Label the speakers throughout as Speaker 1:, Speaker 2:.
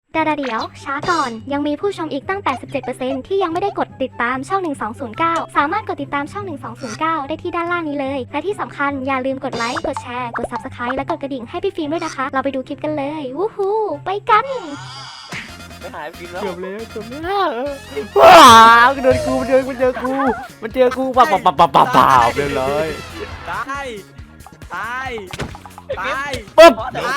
Speaker 1: แต่เดี๋ยวช้าก่อนยังมีผู้ชมอีกตั้ง 87% ที่ยังไม่ได้กดติดตามช่อง 1209 สามารถกดติดตามช่อง 1209 ได้ที่ด้านล่างนี้เลย และที่สำคัญอย่าลืมกดไลค์ กดแชร์ กด Subscribe และกดกระดิ่งให้พี่ฟิล์มด้วยนะคะ เราไปดูคลิปกันเลย วู้ฮู้ไปกัน
Speaker 2: ไม่หายฟิล์มแล้ว
Speaker 3: เกือบแล้วว้าวเดินกูมันเจอกูปับเรียบร้อย
Speaker 2: ตาย
Speaker 3: ปึ๊บ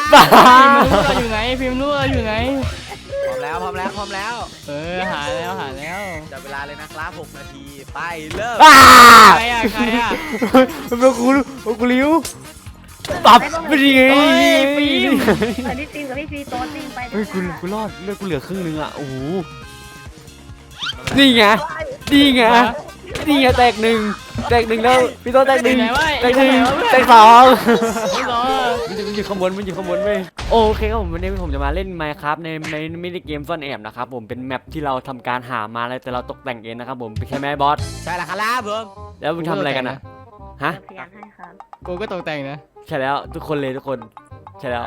Speaker 4: ฟิล์มรู้เราอยู่ไหน
Speaker 2: พร้อมแล้ว
Speaker 4: หาแล้ว
Speaker 2: จับเวลาเลยนะครับ6 นาทีไปเริ่ม
Speaker 4: ใครอ่ะ
Speaker 3: มันเป็นกูลิ้วปับไม่ดีไง
Speaker 1: อันนี้ฟิล์มกับพี่ฟีโต้จริงไป
Speaker 3: เฮ้ยกูรอดเลือดกูเหลือครึ่งนึงอ่ะโอ้โหนี่ไงแตกหนึ่งแล้วพี่ต้นแตกหนึ่งแตกสองมันอยู่ข้างบนเว้ยโอเคครับผมวันนี้ผมจะมาเล่น Minecraft ในมินิเกมซ่อนแอบนะครับผมเป็นแมปที่เราทำการหามาแล้วแต่เราตกแต่งเองนะครับผมเป็นแค่แม่บอส
Speaker 2: ใช่แล้วครับผม
Speaker 3: แล้วมึงทำอะไรกันนะฮะ
Speaker 1: อยากให้ครับ
Speaker 4: กูก็ตกแต่งนะ
Speaker 3: ใช่แล้วทุกคนใช่แล้ว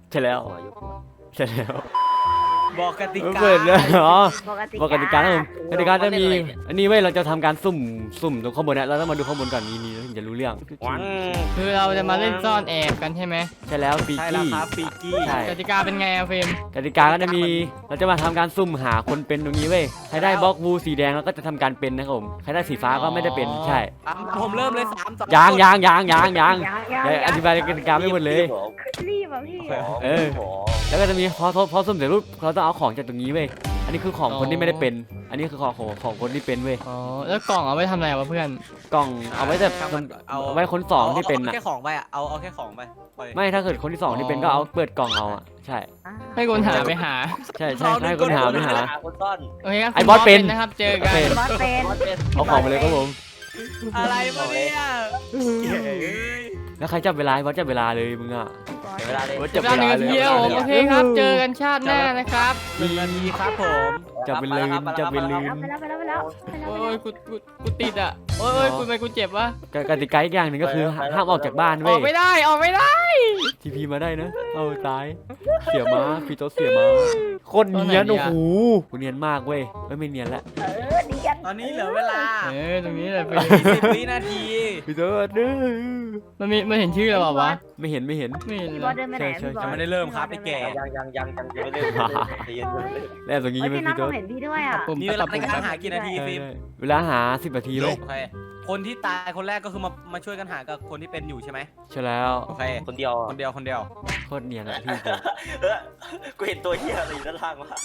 Speaker 2: บอกกติกา
Speaker 3: เปิดเลยเหรอ
Speaker 1: ปกติ
Speaker 3: กติกาครับผมกติกาจะมีอันนี้เว้ยเราจะทำการสุ่มตรงข้างบนเนี่ยเราต้องมาดูข้างบนก่อนนี่ถึงจะรู้เรื่อง
Speaker 4: คือเราจะมาเล่นซ่อนแอบกันใช่ไหม
Speaker 3: ใช่แล้วปี
Speaker 2: ใช่แล้ว
Speaker 3: กี้
Speaker 2: ครับฟิกี้
Speaker 3: ใช่
Speaker 4: กติกาเป็นไงอะฟิล์ม
Speaker 3: กติกาก็จะมีเราจะมาทำการสุ่มหาคนเป็นตรงนี้เว้ยใครได้บล็อกวูสีแดงแล้วก็จะทำการเป็นนะครับผมใครได้สีฟ้าก็ไม่ได้เป็นใช่
Speaker 2: ผมเริ่มเลย3 2
Speaker 3: ยังอธิบายกติกาไม่หมดเลย
Speaker 1: รีบอ่ะพี่
Speaker 3: เออแล้วก็จะมีพอสุ่มเสร็จปุ๊บเราต้องเอาของจากตรงนี้เว้ยอันนี้คือของคนที่ไม่ได้เป็น อันนี้คือของคนที่เป็นเว้ย
Speaker 4: อ๋อแล้วกล่องเอาไว้ทำอะไรวะเพื่อน
Speaker 3: กล่องเอาไว้แต่เอาไว้คนสองที่เป็น
Speaker 2: เอา
Speaker 3: อ่ะ
Speaker 2: แค่ของไปเอาแค่ของไป
Speaker 3: ไม่ถ้าเกิดคนที่สองที่เป็นก็เอาเปิดกล่องเอาอ่ะใช่
Speaker 4: ให้คนหาไปหา
Speaker 3: ใช่ให้คนหา
Speaker 2: คนซ่อน
Speaker 4: โอเคครับ
Speaker 3: ไอ้บอสเป็น
Speaker 4: นะครับเจอกัน
Speaker 1: บอสเป็น
Speaker 3: เอาของไปเลยครับผม
Speaker 2: อะไรมาเนี่ย
Speaker 3: แล้วใครจับเวลาจับเวลาเลยมึงอ่ะ
Speaker 2: เวลาเลย
Speaker 3: จับ
Speaker 4: เว
Speaker 3: เว
Speaker 4: ลา
Speaker 3: ลา
Speaker 4: หนึ่ง
Speaker 3: เลย
Speaker 4: เที่ยวโอเคครับเจอกันชาติหน้านะครับ
Speaker 2: 1 นาทีครับผม
Speaker 3: จับเป็นลืม
Speaker 1: ไปแล้ว
Speaker 4: โอ้ยกูติดอ่ะโอ้ยกูเจ็บวะ
Speaker 3: กติกาอีกอย่างหนึ่งก็คือห้ามออกจากบ้าน
Speaker 4: อ
Speaker 3: เว้
Speaker 4: อย กไม่ได้
Speaker 3: ทีพีมาได้นะเอาตายเสียม้าพี่โต๊ะเสียม้าโคตรเนียนโอ้โหกูเนียนมากเว้ยไม่เนียนละ
Speaker 1: ดีกัน
Speaker 2: ตอนนี้เหลือเวลา
Speaker 4: ตรงนี้แหละฟิล์ม
Speaker 2: 20 วินาที
Speaker 3: พี่โต๊ะเด้อ
Speaker 4: มันเห็นชื่อเราเปล่าวะ
Speaker 3: ไม่เห็น
Speaker 4: ไม่เห็น
Speaker 1: พี่
Speaker 4: เล
Speaker 1: บอส
Speaker 4: ย
Speaker 1: เดินไปไหนพี่บอส
Speaker 2: ยังไม่ได้เริ่มครับไอ้แก่
Speaker 5: ยังไม่เล่นเย็น
Speaker 3: แล้วตรงนี้
Speaker 1: เฮ้ย
Speaker 3: ไม่
Speaker 1: พี่นัท
Speaker 3: พี่โต๊ะ
Speaker 1: เห็นพี่ด้วยอ่ะ
Speaker 4: ปุ่ม
Speaker 2: มีเวลาในการหากี่นาทีฟิล์ม
Speaker 3: เวลาหา10 นาทีเว้ย
Speaker 2: โอเคคนที่ตายคนแรกก็คือมาช่วยกันหากับคนที่เป็นอยู่ใช่ไหม
Speaker 3: ใช่แล้ว
Speaker 2: โอเค
Speaker 5: คนเดียว
Speaker 2: คนเดียว
Speaker 3: โคตรเนียนอะพี่
Speaker 5: กูเห็นตัวเหี้ยอะไรอยู่ด้านล่างวะ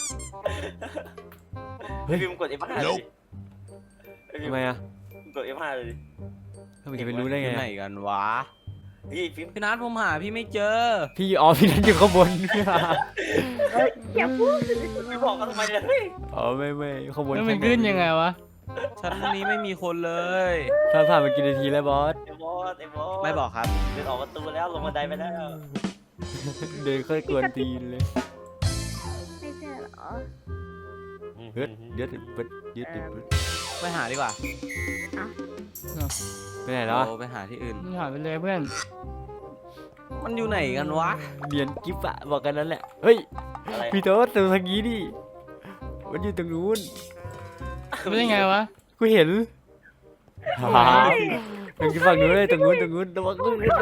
Speaker 5: พิมกด F5 เลย
Speaker 3: ทำไมอะ
Speaker 5: กด F5 เลย
Speaker 3: ทำไมจะไปรู้ได้ไง
Speaker 2: อยู่ไหน
Speaker 3: อะ
Speaker 2: กันวะ
Speaker 5: พี่พิม
Speaker 2: พี่นัทผมหาพี่ไม่เจอ
Speaker 3: พี่พี่นั่นอยู่ข้างบน
Speaker 1: อย่าพูด
Speaker 5: พี่บอกกันทำไมเนี่ยเฮ้ย
Speaker 3: อ๋อไม่ข้างบน
Speaker 4: แล้วมันขึ้นยังไงวะ
Speaker 2: ชั้นนี้ไม่มีคนเลย
Speaker 3: ถ้าผ่านมากี่นาทีแล้วบอส
Speaker 5: ไอ้บอส
Speaker 2: ไม่บอกครับ
Speaker 5: เดินออกประตูแล้วลงบันไดไปแล้ว
Speaker 3: เดินค่อยกวนตีนเลย
Speaker 1: ไม่เจอเหรอ
Speaker 3: เฮ้ยเดี๋ยวเปิดยึดติด
Speaker 2: ไปหาดีกว่า
Speaker 3: ไปไหนแล้ว
Speaker 2: เราไปหาที่อื่น
Speaker 4: มึงหายไปเลยเพื่อน
Speaker 2: มันอยู่ไหนกันวะ
Speaker 3: เรียนกิฟอะบอกกันนั่นแหละเฮ้ย
Speaker 5: อะไร
Speaker 3: พี่โต๊ดดูทางนี้ดิมันอยู่ตรงนู้น
Speaker 4: รู้ได้ไงวะ
Speaker 3: กูเห็นตรงฝั่งนู้นเลยตรงนู้นระวัง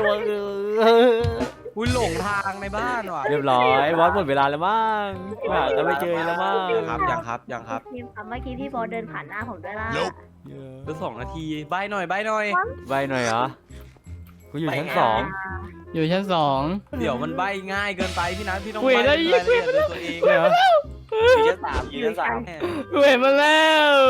Speaker 2: อุ้ยหลงทางในบ้านว่ะ
Speaker 3: เรียบร้อยบอสหมดเวลาแล้วมั้งหากันไม่เจอแล้วมั้ง
Speaker 2: ยังครับ
Speaker 1: ทีมครับเมื่อกี้พี่บอสเดินผ่านหน้าผมด้วยล่ะ
Speaker 2: เหลือ2 นาทีใบหน่อย
Speaker 3: ใบหน่อยเหรอกูอยู่ชั้น
Speaker 4: อยู่ชั้น 2
Speaker 2: เดี๋ยวมันใบง่ายเกินไปพี่นัทพี่ต้อง
Speaker 4: คุย
Speaker 2: ใบ
Speaker 4: ได้
Speaker 2: รายละเอียดด้วยตัวเอง
Speaker 3: 2เหรอ
Speaker 5: ยืน3
Speaker 4: กูเห็นมันแล้ว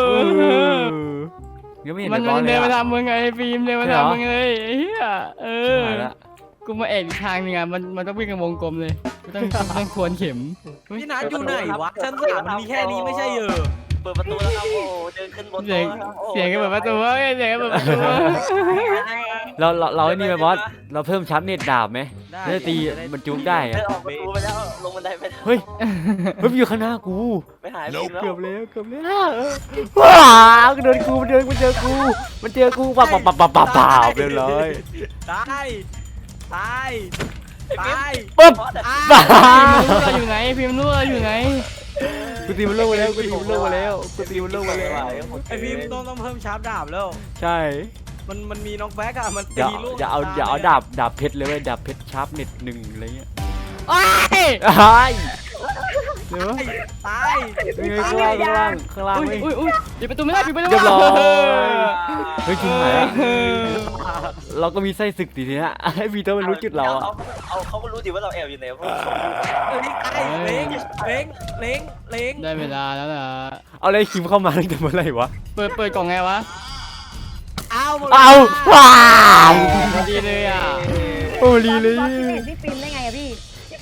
Speaker 3: ยังไม่เห็น
Speaker 4: มัน
Speaker 3: บอสเล
Speaker 4: เดิ
Speaker 3: ย
Speaker 4: นมา
Speaker 3: อะ
Speaker 4: ทำมึงไงฟิล์มเดินมา
Speaker 3: ใช่เหรอ
Speaker 4: ทำมึงเลยไอ้เหี้ย
Speaker 3: หายละ
Speaker 4: กูมาแอบอีกทางนึงอ่ะมันต้องวิ่งกันวงกลมเลยต้องทวนเข็ม
Speaker 2: พี่นัทอยู่ไหนวะชั้น3มันมีแค่นี้ไม่ใช่เหรอ
Speaker 5: เปิดประตูแล้วครับโอ้เดินขึ้นบน
Speaker 4: เสียง เสียงกันแบบประตูวะเสียงกันแบบประตูวะ
Speaker 3: เราไอ้นี่ไหมบอสเราเพิ่มชั้นเน็ตดาบไหม
Speaker 2: ได้
Speaker 3: จะตีมันจุกได้อะ
Speaker 5: เดินออกประตูไปแล้วลงบันไดไปแล้ว
Speaker 3: เฮ้ยมันอยู่ข้างหน้ากู
Speaker 5: ไม่หายพิมแล้ว
Speaker 3: เกือบแล้วว้าวเดินกูมันเจอกูปับเรียบร้อย
Speaker 2: ตายตาย
Speaker 3: ปึ๊บ
Speaker 5: ตา
Speaker 3: ตาย
Speaker 4: พิมพ์รู้เราอยู่ไหนพิมพ์รู้เราอยู่ไหน
Speaker 3: กูตีมันลงมาแล้วกูตีมันลงมาแล้วกูตีมันลงมาแล้ว
Speaker 2: ไอฟิล์มต้องเพิ่มชาร์ปดาบแล้ว
Speaker 3: ใช่
Speaker 2: มันมีน็อกแบ็กอะมัน
Speaker 3: อย่า
Speaker 2: ตีลูก
Speaker 3: อย่าเอาดาบเพชรเลยเว้ยดาบเพชรชาร์ปเน็ตหนึ่งอะไรเงี้ย
Speaker 4: โอ้ย
Speaker 3: อ้ายเดี๋ยว
Speaker 2: ตาย
Speaker 3: ยังไงข้างล่าง
Speaker 4: อุ้ย
Speaker 3: เว้ย
Speaker 4: อุ้ยปิดประตูไม่ได้ปิดประตู
Speaker 3: เรียบร้อย
Speaker 4: เ
Speaker 3: เฮ้ยจริงไหมเราก็มีไส้ศึกทีเนี้ยให้พีเตอร์มันรู้จุดเราอะ
Speaker 5: เขาก็รู้ดิว่าเราแอบอยู่ไหนเพราะ
Speaker 2: เล้งเล้ง
Speaker 4: ได้เวลาแล้วล่ะ
Speaker 3: เอาเลยคิมเข้ามาตั้งแต่เมื่อไหร่วะ
Speaker 4: เปิดกล่องไงวะ
Speaker 2: เอาหมด
Speaker 3: เอาว้าว
Speaker 4: พอดีเลยอ่ะ
Speaker 3: โอ้ลีเลย
Speaker 6: บอสพี่เห็นพี่ฟิล์มได้ไงอะพี่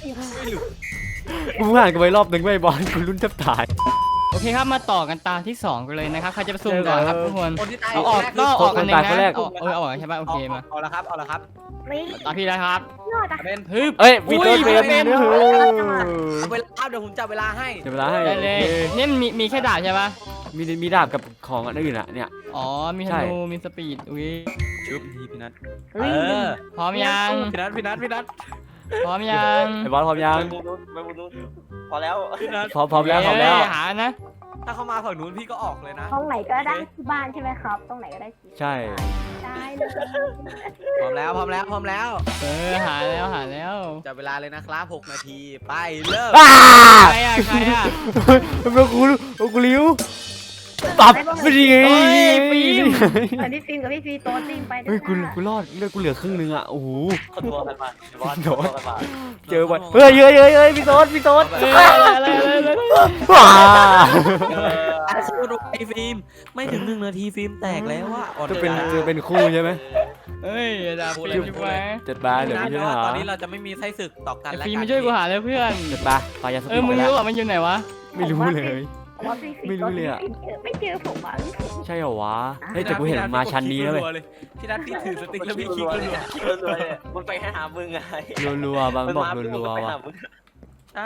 Speaker 3: กูผ่านกันไปรอบหนึ่งไม่บอลกูรุ่นแทบตาย
Speaker 4: โอเคครับมาต่อกันตาที่สองกันเลยนะครับใครจะไปซุ่มก่อนครับทุกคน
Speaker 2: คนที่ตาย
Speaker 4: เอาออก
Speaker 2: แร
Speaker 4: ก็ออกกันเอง
Speaker 3: คนแร
Speaker 4: นะ
Speaker 3: ก
Speaker 4: เอาออกใช่ป่ะโอเคมา
Speaker 2: เอาละครับเอาละครับ
Speaker 6: นี่
Speaker 4: ตาพี่แล้วครับ
Speaker 6: ยอดอะ
Speaker 2: เป็น
Speaker 4: ฮึบ
Speaker 3: เอ้ยพีเตอร์
Speaker 4: อุ้ย
Speaker 3: เป็น
Speaker 4: เป็น
Speaker 3: เออ
Speaker 2: เวลาเดี๋ยวผมจับเวลาให้
Speaker 3: เดี๋ยวเวลาให้
Speaker 4: ได้เลยนี่มันมีแค่ดาบใช่ป่ะ
Speaker 3: มีดาบกับของอันอื่นอะเนี่ย
Speaker 4: อ๋อมีธ
Speaker 3: ใช่
Speaker 4: นูมีสปีดอุ้ย
Speaker 2: ชุบพี่นัท
Speaker 6: เฮ้ย
Speaker 4: พร้อมยัง
Speaker 2: พี่นัท
Speaker 4: พร้อมยัง
Speaker 3: ไอ้บอลพร้อมยัง
Speaker 5: ไปบุญนู้นพอแล้ว
Speaker 2: พี่นัท
Speaker 3: พร้อมแล้วพร้อมแล้ว
Speaker 4: เย้หานะ
Speaker 2: ถ้าเขามาฝั่งนู้นพี่ก็ออกเลยนะ
Speaker 6: ตรงไหนก็ได้ที่บ้านใช่ไหมครับ ตรงไหนก็ได้ที่
Speaker 3: ใช่
Speaker 6: ได้เลย
Speaker 2: พร้อมแล้ว
Speaker 4: หาแล้ว
Speaker 2: จับเวลาเลยนะครับ6 นาทีไปเริ่ม
Speaker 3: อ้า
Speaker 4: ใครอ่ะ
Speaker 3: เป็นกูลิ้วปับไม่ดีไง
Speaker 4: โอ้ยฟิล์ม
Speaker 6: อันนี้ฟิล์มกับพี่ฟีโต๊ะจิ้มไป
Speaker 3: เฮ้ยกูรอดเลือดกูเหลือครึ่งนึงอะโอ้โห
Speaker 5: คนตัวกันมาบอสตัวกันมา
Speaker 3: เจอไปเฮ้ยพี่โต๊ด
Speaker 4: อะไร
Speaker 3: ว้า
Speaker 2: สู้ดูไอฟิล์มไม่ถึง1 นาทีฟิล์มแตกแล้วอะ
Speaker 3: จะเป็นคู่ใช่ไหม
Speaker 4: เฮ้ยดาบฟิล์มใช่ไหม
Speaker 3: จัดบาเดี๋ยวไปช่วยหา
Speaker 2: ตอนนี้เราจะไม่มีไส้ศึกต่อกันแล้ว
Speaker 4: ฟิล์ม
Speaker 2: กั
Speaker 4: มาช่วยกูหาเลยเพื่อน
Speaker 3: จัดบาปายาส
Speaker 4: มึงรู้ว่ามันอยู่ไหนวะ
Speaker 3: ไม่รู้เลย
Speaker 6: ว่าพี่ฟี
Speaker 3: ไม่รู้เลยอะ
Speaker 6: ไม่เจอผมอ่ะ
Speaker 3: ใช่เหรอวะเฮ้ยแต่กูเห็นมันมาชั้นนี้แล้วเว้ย
Speaker 2: พี่นัทพี่ถือสติ๊กแล้วพี่คลิก
Speaker 5: รัว
Speaker 2: รัว
Speaker 5: คิดรัวเลยมันไปให้หามึงไง
Speaker 3: รัวๆบางบอกรัวๆว่ะ
Speaker 2: ใช่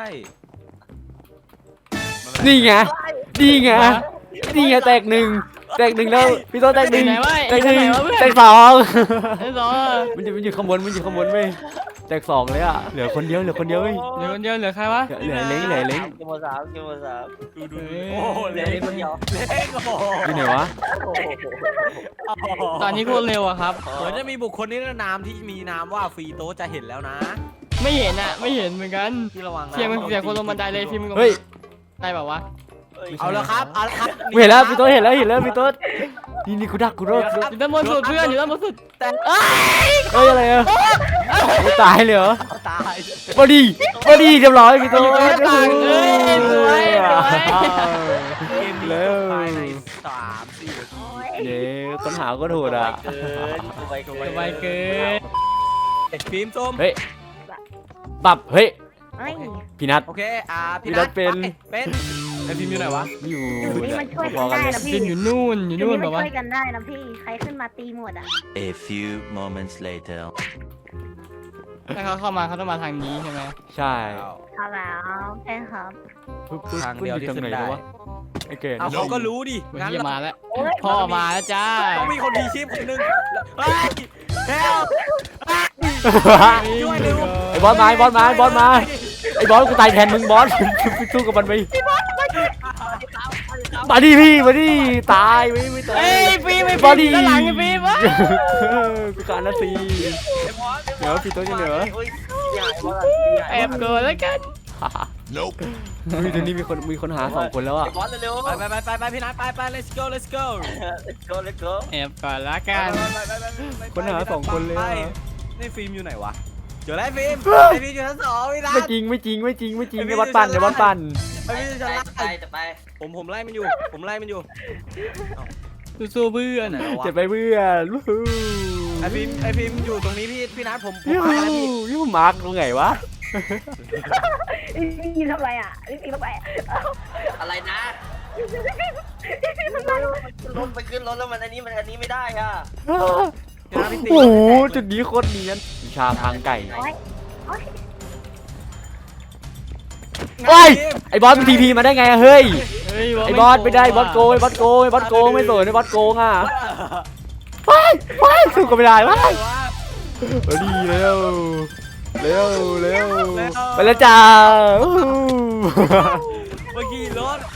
Speaker 3: นี่ไงแตกหนึ่งแล้วพี่โต๊ดแตกหนึ่งแตกสอง
Speaker 4: ไอ้สอง
Speaker 3: มันอยู่ข้างบนเว้ยแตกสองเลยอะเหลือคนเดียวเว้ย
Speaker 4: เหลือคนเดียวเหลือใครวะ
Speaker 3: เหลือเล้ง
Speaker 5: กินหมด3
Speaker 2: ดู
Speaker 4: เฮ้ย
Speaker 2: โอ้โห
Speaker 5: เหลื
Speaker 2: เล็
Speaker 5: อก คนเดียว
Speaker 2: เล็กโอ้โห
Speaker 3: อยู่ไหนวะ
Speaker 4: ตอนนี้โคตรเร็วอะครับ
Speaker 2: เหมือนจะมีบุคคลนิรนามที่มีนามว่าฟรีโตจะเห็นแล้วนะ
Speaker 4: ไม่เห็นอะไม่เห็นเหมือนกัน
Speaker 2: ที่ระวังนะ
Speaker 4: เสียงคนลงบันไดเลยฟิล์ม
Speaker 3: เฮ้ย
Speaker 4: ได้แบบวะ
Speaker 2: เอาแล้วครับ
Speaker 3: เห็นแล้วพี่โต๊ดเห็นแล้วพี่โต๊ดนี่กูดักกูรอด
Speaker 4: อยู่ด้านบนสุดเพื่อนอยู่ด้านบนสุด
Speaker 3: เฮ้ยอะไรอะไม่ตายเลยเหรอ
Speaker 2: ตาย
Speaker 3: บอดี้เรียบร้อยพี่โต๊ด
Speaker 4: อยู่ด้านต่างสวย
Speaker 2: เกมนี้จบภายใน3-4 นาที
Speaker 3: เย้ค้นหาก็ถูกอ่ะ
Speaker 5: เกินไปเกิน
Speaker 4: สบายเกิน
Speaker 2: ฟิล์มส้ม
Speaker 3: เฮ้ยปับเฮ้ย
Speaker 6: เฮ้ย
Speaker 3: พี่นัท
Speaker 2: โอเคพี่
Speaker 3: พี่นั
Speaker 2: นั
Speaker 3: ท
Speaker 2: ท
Speaker 3: เป็น
Speaker 2: ไอฟิล์มอยู่ไหนวะ
Speaker 3: อยู่
Speaker 6: นี่มันช่วย
Speaker 3: พ
Speaker 6: กั
Speaker 3: อน กัน
Speaker 6: ได้
Speaker 3: เลย
Speaker 6: นะพี่
Speaker 4: ฟิล์มอยู่นู่นแบบ
Speaker 6: มัน
Speaker 4: ว่า
Speaker 6: ช่วยกันได้นะพี่ ใครขึ้นมาตีหมดอ่ะ
Speaker 7: A few moments later.
Speaker 4: ถ้าเขาเข้ามาเขาต้องมาทางนี้ใช่ไหม
Speaker 3: ใช่
Speaker 6: เอาแล้วใช่ครับ
Speaker 2: ทางเดียวที่ขึ้นได้
Speaker 3: วะไอ้เกด
Speaker 2: เอาเขาก็รู้ดิ
Speaker 4: วัน
Speaker 2: งั้น
Speaker 4: นี้
Speaker 2: เรา
Speaker 4: มาแล้วพ่อมาแล้วจ้า
Speaker 2: ต้องมีคนทีชีพคนหนึ่งเฮ้ยเฮลช่วยเร็ว
Speaker 3: ไอ้บอสมาไอ้บอสกูตายแทนมึงบอสสู้กับมันไปมาดิพี่มาดิตายไม่ตาย
Speaker 4: เฮ้ยฟิล์มไอ้
Speaker 3: บอ
Speaker 4: ฟิ
Speaker 3: ดี้
Speaker 4: ล์มด้านหลังไอ้ฟิล์มวะ
Speaker 3: กูการนาทีเดี๋ยวพี่โต๊ะจะเหลือ
Speaker 4: แอบเกินแล้วกัน
Speaker 3: มีตอนนี้มีคนหา2 คนแล้วอ่ะ
Speaker 5: บอสเร็ว
Speaker 2: ไปพี่นัทไป let's go
Speaker 5: let's go
Speaker 4: แอบก่อนละกัน
Speaker 3: คนหา2 คนเลยอะ
Speaker 2: นี่ฟิล์มอยู่ไหนวะเจอแล้วฟิล์มไอฟิล์มอยู่ชั้น2พี่นัท
Speaker 3: ไม่จริงในวัดปั่น
Speaker 2: ไอฟิล์มอยู่ชั้นล่าง
Speaker 5: จะไป
Speaker 2: ผมไล่มันอยู่
Speaker 4: สู้ๆเพื่อน
Speaker 3: เจ็บไปเพื่อนวู้ฮู้
Speaker 2: ไอฟิล์มอยู่ตรงนี้พี่นัทผม
Speaker 3: ยู
Speaker 2: มาแล้วพี่
Speaker 3: ยูมาร์กตรงไหนวะ
Speaker 6: พี่ทำไรอ่ะพี่ทำไร
Speaker 5: อะไรนะรถไปขึ้นรถแล้วมันอันนี้ไม่ได้อ่ะ
Speaker 3: โอ้โหจุดนี้โคตรเนียนวิชาทางไก่
Speaker 6: โอ้ย
Speaker 3: โอ้ยไอ้บอสมันทีพีมาได้ไงอะเฮ้ย
Speaker 4: เฮ้ย
Speaker 3: ไอ้บอสไม่ได้บอสโกงไม่สนไอ้บอสโกงอ่ะไปสู้กันไม่ได้วะดีแล้วเร็วเร็วไปแล้วจ้า
Speaker 2: เมื่อกี้รถ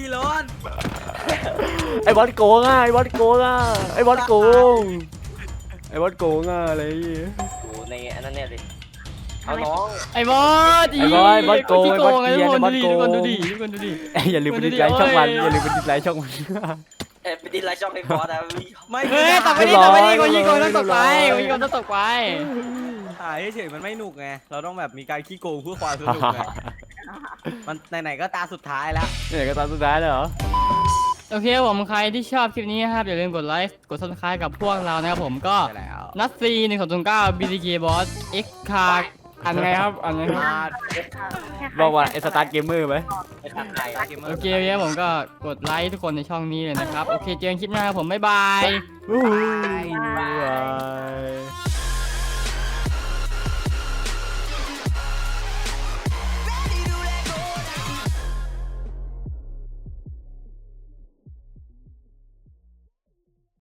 Speaker 3: ไอ้บอสโกงอ่ะไอ้บอสโกงอ่ะไอ้บอสโกงไอ้บอสโกงอ่ะอะไรอย่างเงี้ย
Speaker 5: อยู่ในอันนั้นเนี่ยสิเอาน้อง
Speaker 4: ไอ้บอส
Speaker 3: ไอ้บอสโกง
Speaker 4: ขี้
Speaker 3: ไอ้
Speaker 4: โก
Speaker 3: บอส
Speaker 4: งไอ้
Speaker 3: เกียร์
Speaker 4: ทุ
Speaker 3: ไอ้
Speaker 4: ก
Speaker 3: บ
Speaker 4: ค
Speaker 3: อน ส
Speaker 4: ดู
Speaker 3: โก
Speaker 4: ดิ
Speaker 3: ง
Speaker 4: ทุกคนดูดิ
Speaker 3: อย่าลืมไปดิสไลค์ช่องมันอย่าลืมไปดิสไลค์ช่องมัน
Speaker 5: ไปดินไลน์ช่องให้บอสนะ
Speaker 2: ไม่
Speaker 4: เฮ้ยต่อไปนี้คนขี้โกงต้องตกไปคนขี้โกงต้องตกไป
Speaker 2: ถ่ายเฉยๆมันไม่หนุกไงเราต้องแบบมีการขี้โกงเพื่อความสนุกไงมันไหนๆก็ตาสุดท้ายแล้ว
Speaker 3: เนี่ยก็ตอนสุดท้ายเลยเหรอ
Speaker 4: โอเคผมใครที่ชอบคลิปนี้นะครับอย่าลืมกดไลค์กด subscribe กับพวกเรานะครับผมก็
Speaker 2: ใช่แล้ว
Speaker 4: นัดซี1209 BTK Boss X Card อันไงครับอันไงครับ
Speaker 3: บอกว่าไอ้สตาร์ทเกมเมอร์ไหม
Speaker 5: ไปทางไหน
Speaker 4: โอเคครับผมก็กดไลค์ทุกคนในช่องนี้เลยนะครับโอเคเจอกันคลิปหน้าครับผมบ๊ายบาย
Speaker 3: บ๊ายบาย